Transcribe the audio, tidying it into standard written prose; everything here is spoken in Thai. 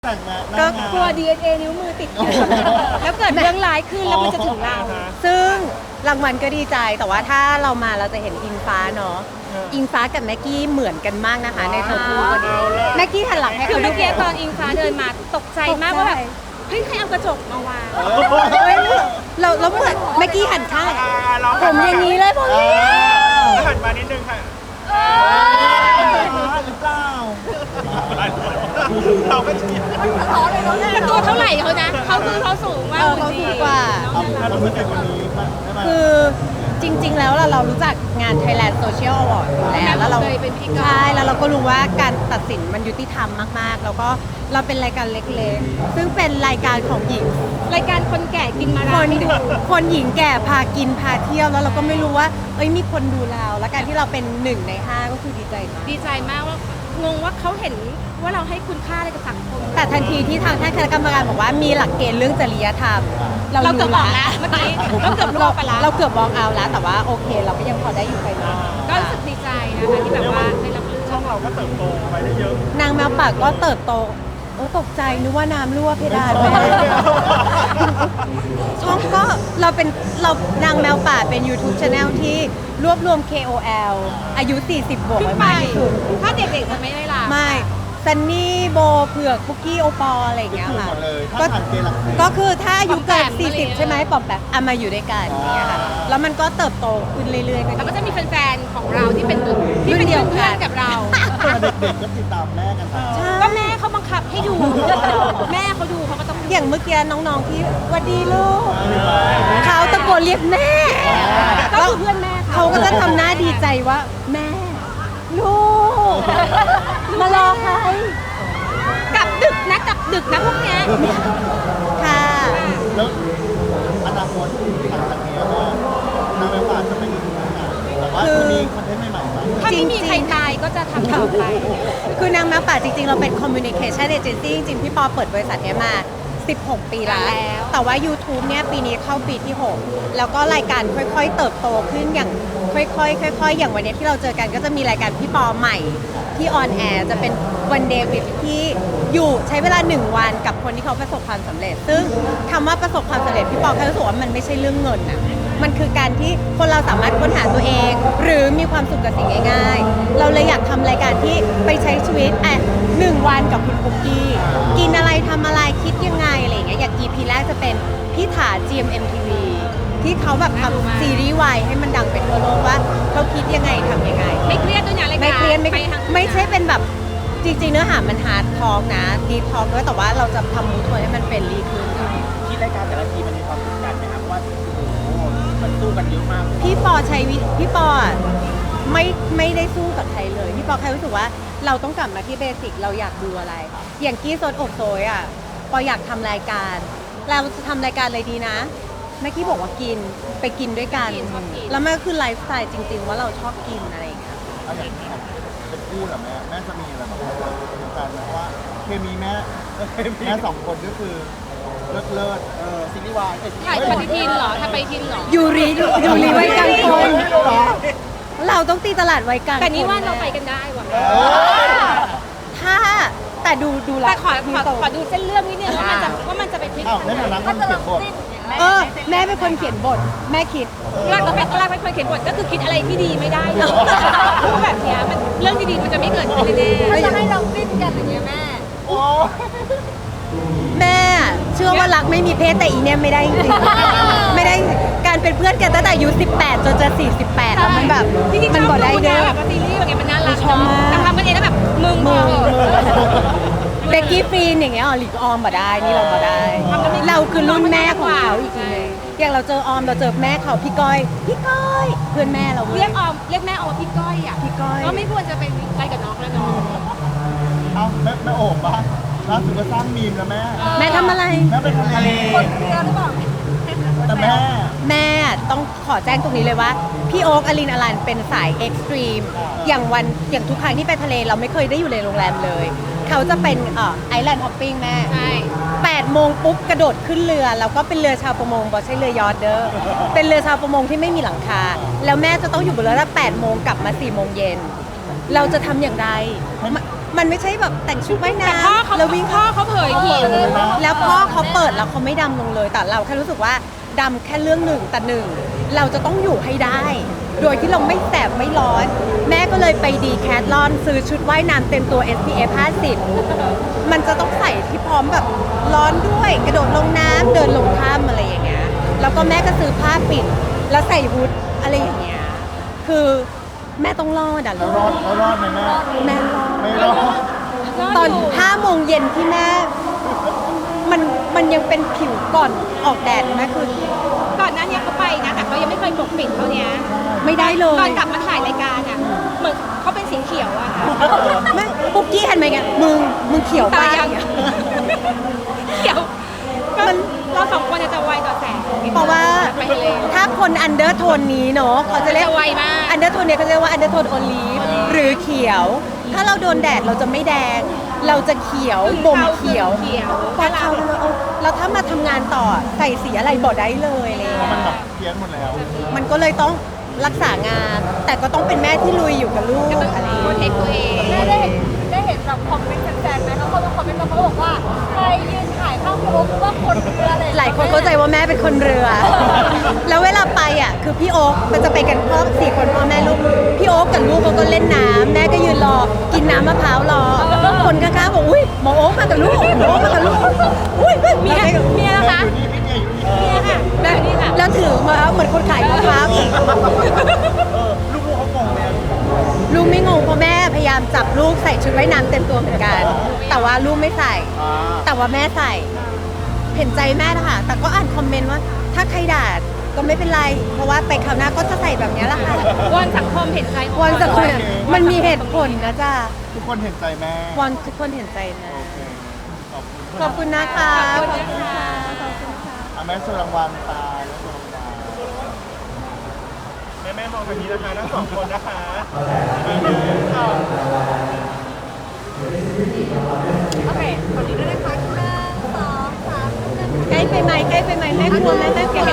แต่งงานก็กลัว DNA นิ้วมือติดกันแล้วเกิดเรื่องร้ายขึ้นแล้วมันจะถึงเราซึ่งรางวัลก็ดีใจแต่ว่าถ้าเรามาเราจะเห็นอิงฟ้าเนาะอิงฟ้ากับแม็กกี้เหมือนกันมากนะคะในตัวคู่วันนี้แม็กกี้หันหลังให้คือเขาดูเมื่อกี้ตอนอิงฟ้าเดินมาตกใจมากว่าแบบเฮ้ยใครเอากระจกมาวางเฮ้ยเราเหมือนแม็กกี้หันข้างผมอย่างนี้เลยผมหันมานิดนึงค่ะหรือเปล่าเราก็เชียร์แต่ตัวเท่าไหร่เขานะเขาคือเขาสูงมากเขาสูงกว่าเรารู้สึกวันนี้ได้ไหมคือจริง ๆ แล้วเรารู้จักงาน Thailand Social Award อยู่แล้วเราเคยเป็นพิธีกรใช่แล้วเราก็รู้ว่าการตัดสินมันยุติธรรมมากๆ แล้วก็เราเป็นรายการเล็กๆ ซึ่งเป็นรายการของหญิงรายการคนแก่กินมาคราน ไม่ดูคนหญิงแก่พากินพาเที่ยวแล้วเราก็ไม่รู้ว่ามีคนดูเราแล้วการที่เราเป็น1 ใน 5ก็คือดีใจมากดีใจมากว่างงว่าเขาเห็นว่าเราให้คุณค่าอะไรกับสังคมแต่ทันทีที่ทางท่านคณะกรรมการบอกว่ามีหลักเกณฑ์เรื่องจริยธรรมเราเกือบบอกแล้วเมื่อกี้เราเกือบรอไปแล้วเราเกือบบอกเอาแล้ว แต่ว่าโอเค เราก็ยังพอได้อยู่ไปมาก็รู้สึกดีใจนะคะที่แบบว่าได้รับเลือกช่องเราก็เติบโตไปได้เยอะนางแมวป่าก็เติบโตตกใจนึกว่าน้ำรั่วเพดานไปช่องก็เรานางแมวป่าเป็น YouTube Channel ที่รวบรวม KOL อายุ 40 บวกขึ้นไว้ไปมากที่สุดถ้าเด็กๆจะไม่ได้ล่ะไม่ซันนี่โบเผือกคุกกี้โอปออะไรอย่างเงี้ยถูกค่ะหมดเลยก็ถ้าผ่านเกณฑ์หลักสิบก็คือถ้าอายุเกินปอมแปมอะไรอย่างเงี้ย 40 ใช่ไหมปอมแบบมาอยู่ด้วยกันอย่างเงี้ยค่ะแล้วมันก็เติบโตขึ้นเรื่อยๆแล้วก็จะมีแฟนๆของเราที่เป็นเพื่อนเดียวกันเพื่อนกับเราเด็กๆก็ติดตามแม่กันตามก็แม่เขาบังคับให้ดู แม่เขาดูเขาก็ต้องดูอย่างเมื่อกี้น้องๆที่หวัดดีลูกเขาตะโกนเรียกแม่ก็คือเพื่อนแม่เขาก็จะทำหน้าดีใจว่าแม่ ลูก มารอใครกลับดึกนะพวกเนี้ยค่ะแล้วอนาคตหลังจากนี้ก็นางแมวป่าจะเป็นอีกหนึ่งงานแต่ว่าจะมีคอนเทนต์ใหม่ๆมาถ้าไม่มีใครตายก็จะทำต่อไปคือนางแมวป่าจริงๆ เราเป็น communication agency จริงๆ พี่ปอเปิดบริษัทนี้มา 16 ปีแล้ว แต่ว่า YouTube เนี่ยปีนี้เข้าปีที่ 6 แล้วก็รายการค่อยๆ เติบโตขึ้นอย่างค่อยๆ อย่างวันนี้ที่เราเจอกันก็จะมีรายการพี่ปอใหม่ที่ออนแอร์จะเป็นวันเดย์วิที่อยู่ใช้เวลา 1 วันกับคนที่เขาประสบความสำเร็จ ซึ่งคำว่าประสบความสำเร็จพี่ปอแค่รู้สึกว่ามันไม่ใช่เรื่องเงินนะมันคือการที่คนเราสามารถค้นหาตัวเอง หรือมีความสุขกับสิ่งง่ายๆ เราเลยอยากทำรายการที่ไปใช้ชีวิต1 วันกับคุณคุกกี้กินอะไรทำอะไรคิดยังไงอะไรอย่างเงี้ยอย่าง EP แรกจะเป็นพี่ถา GMMTV ที่เขาแบบทำซีรีส์วายให้มันดังไปทั่วโลกว่าเขาคิดยังไงทำยังไงไม่เครียดด้วยนะรายการไม่เครียดไม่ปทางไม่ใช่เป็นแบบจริงๆเนื้อหามันฮาร์ดทอล์กนะดีทอล์กด้วยแต่ว่าเราจะทำมูทให้มันเป็นรีขึ้นที่รายการแต่ละทีมันมีความกดดันไหมครับว่าโอ้โหมันสู้กันเยอะมากพี่ปอพี่ปออะไม่ได้สู้กับใครเลยพี่ปอแค่รู้สึกว่าเราต้องกลับมาที่เบสิกเราอยากดูอะไร อย่างกี้โซนอกโซยอ่ะปออยากทำรายการ เราจะทำรายการอะไรดีนะเมื่อกี้บอกว่ากินไปกินด้วยกัน แล้วมันก็คือไลฟ์สไตล์จริง ๆ ว่าเราชอบกินอะไรอย่างเงี้ยเอาอย่างนี้เป็นคู่เหรอแม่จะมีอะไรแบบเดียวกันไหมเพราะว่าเคมีแม่2 คนก็คือเลิศซีรีส์วายถ่ายปฏิทินเหรอถ่ายปฏิทินเหรอยูริไว้กลางคน เราต้องตีตลาดไว้กลางแต่นี่ว่าคเราไปกันได้ว่ะถ้าแต่ดูละแต่ขอดูเส้นเรื่องนิดนึงว่ามันจะไปพลิกอ้าวในฐานะคนเขียนบทแม่เป็นคนเขียนบทแม่คิดเราเป็นคนเขียนบทก็คือคิดอะไรที่ดีไม่ได้เลยเพราะแบบเนี้ยมันเรื่องดีๆมันจะไม่เกิดขึ้นแน่ๆถ้าจะให้เราฟินกันอย่างเงี้ยแม่โอ้แม่เชื่อว่ารักไม่มีเพศแต่อีเนี่ยไม่ได้จริงๆไม่ได้การเป็นเพื่อนกันตั้งแต่อายุ18จนจะ48แล้วมันแบบจริงๆชมันอบบ่ได้ดูเด้นะอแบบว่าซีรีส์แบบเนี้ยมันน่ารักชอบมากแต่ทำกันเองแล้วแบบมึงพอเหอะเบกกี้ฟรีนอย่างเงี้ยหลีกออมบ่ได้นี่เราบ่ได้ เราคือรุ่นแม่ของเขาอีกทีนึงอย่างเราเจอออมเราเจอแม่เขาพี่ก้อยเพื่อนแม่เราเว้เรียยกแม่ออมว่าพี่ก้อยอ่ะพี่ก้อยก็ไม่ควรจะไปไปกับน้องแล้วน้องเอาแม่โอบบ้างล่าสุดก็สร้างมีมแล้วแม่แม่ทำอะไรแม่เป็นทะเลแต่แม่ต้องขอแจ้งตรงนี้เลยว่า พี่โอ๊กอลินอลันเป็นสายเอ็กซ์ตรีมอย่างทุกครั้งที่ไปทะเลเราไม่เคยได้อยู่ในโรงแรมเลย เขาจะเป็นไอแลนด์ฮอปปิ้งแม่ใช่ 8 โมงปุ๊บกระโดดขึ้นเรือ แล้วก็เป็นเรือชาวประมงบอกใช่เรือยอทเด้อเป็นเรือชาวประมงที่ไม่มีหลังคา แล้วแม่จะต้องอยู่บนเรือตั้ง8 โมงกลับมา4 โมงเย็นเราจะทำอย่างไรมันไม่ใช่แบบแต่งชุดว่ายแต่น้พ่อเขาำแล้ววิ่งพ่อเขาเผยผิดแล้วพ่อเขาเปิดแล้วเขาไม่ดำลงเลย แต่เราแค่รู้สึกว่าดำแค่เรื่องหนึ่งแต่หนึ่งเราจะต้องอยู่ให้ได้ โดยที่เราไม่แสบไม่ร้อน แม่ก็เลยไปดีแคทลอนซื้อชุดว่ายน้ำเต็มตัว SPF 50 มันจะต้องใส่ที่พร้อมแบบร้อนด้วยกระโดดลงน้ำเดินลงถ้ำอะไรอย่างเงี้ยแล้วก็แม่ก็ซื้อผ้าปิดแล้วใส่ฮูดอะไรอย่างเงี้ยคือแม่ต้องรอดอ่ะแล้วรอดไหมแม่แม่รอดไม่รอดตอน5 โมงเย็นที่แม่มันยังเป็นผิวก่อนออกแดดนะคือก่อนหน้านี้เขาไปนะแต่เขายังไม่เคยปกปิดเท่านี้ไม่ได้เลยตอนกลับมาถ่ายรายการอ่ะเหมือนเขาเป็นสีเขียวอะค่ะไม่ปุ๊กกี้หันมาไงมึงเขียวไปตายังเขียวมันเราสองคนจะไวต่อแสงเพราะว่าไปทะเลถ้าคนอันเดอร์โทนนี้เนาะเขาจะเรียกจะไวมากอันเดอร์โทนเนี่ยเขาจะเรียกว่าอันเดอร์โทนโอลีฟหรือเขียว ถ้าเราโดนแดดเราจะไม่แดง เราจะเขียวบ่มเขียวเขียวพอเขาแล้วถ้ามาทำงานต่อใส่สีอะไรบอกได้เลยอะไรอย่างเพราะเงี้มันยแบบเพี้ยนหมดแล้วมันก็เลยต้องรักษางาน แต่ก็ต้องเป็นแม่ที่ลุยอยู่กับลูกก็ต้องอะไรอย่างโปรเงี้ยเทคตัวเองได้เห็นแบบคอมเมนต์แฟนๆไหมเขามาคอมเมนต์มาเขาบอกว่าใครยืนถ่ายข้างโป๊กว่าคนเรืออะไรหลายคนเข้าใจว่าแม่เป็นคนเรือ แล้วเวลาไปอ่ะคือพี่โอ๊คมันจะไปกันพ่อ4 คนพ่อแม่ลูกพี่โอ๊คกับลูกเขาก็เล่นน้ำแม่ก็ยืนรอกินน้ำมะพร้าวรอคนข้างๆบอกอุ้ยหมอโอ๊คมากับลูกหมอโอ๊คมากับลูกอุ้ยเมียเมียนะคะอยู่นี่พี่เกียร์อยู่นี่เมียค่ะแล้วถือมาเหมือนคนขายมะพร้าวลูกเขางงเลยอะลูกไม่งงเพราะแม่พยายามจับลูกใส่ชุดว่ายน้ำเต็มตัวเหมือนกัน แต่ว่าลูกไม่ใส่อ่าแต่ว่าแม่ใส่ เห็นใจแม่นะคะแต่ก็อ่านคอมเมนต์ว่า ถ้าใครด่าก็ไม่เป็นไร เพราะว่าไปคราวหน้าก็จะใส่แบบนี้แหละค่ะวอนสังคมเห็นใจวอนสักคนมันมีเหตุผลนะจ๊ะทุกคนเห็นใจแม่วอนทุกคนเห็นใจนะโอเคขอบคุณขอบคุณนะคะขอบคุณนะคะแม่สุรางวัลตาและสุรางวัลแม่มองแบบนี้นะคะทั้งสองคนนะคะโอเคขอดีด้วยนะคะ1 2 3 ใกล้ไปไหมใกล้ไปไหมแม่กลัวแม่แม่เก็บ